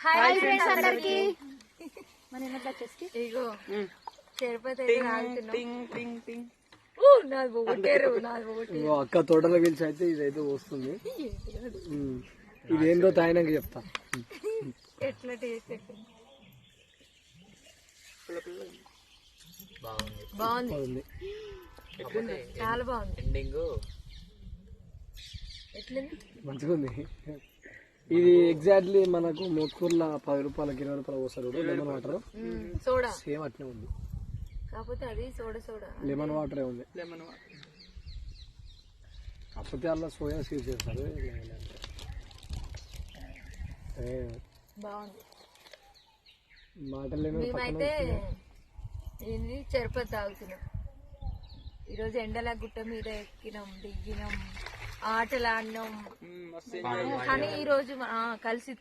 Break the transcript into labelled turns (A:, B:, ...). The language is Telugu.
A: హాయ్ ఫ్రెండ్స్ అందరికి మన ఎన్నట్లా వచ్చేసి
B: ఇగో తిరుపతి
C: అక్క తోటలో పిలిచి అయితే ఇదైతే వస్తుంది. ఇదేందో తాయినాక చెప్తా.
B: ఎట్లా టేస్ట్ బాగుంది, చాలా బాగుంది. ఎట్లుంది?
C: మంచిగా ఉంది. ఇది ఎగ్జాక్ట్లీ మనకు మోత్కూర్ల 10 రూపాయలకి 20 రూపాయలు పోస్తారు లెమన్ వాటర్.
B: సోడా
C: సేమ్ అట్లే ఉంది,
B: కాకపోతే అది సోడా
C: లెమన్ వాటరే ఉంది. కాకపోతే అలా సోయా సీడ్స్ చేస్తారు.
B: బాగుంది.
C: మాటలు
B: మేమైతే ఏంది తిరుపతి తాగుతున్నాం. ఈరోజు ఎండల గుట్ట మీద ఎక్కినాం, దిగినాం, ఆటలు ఆడినాం. కానీ ఈ రోజు కలిసి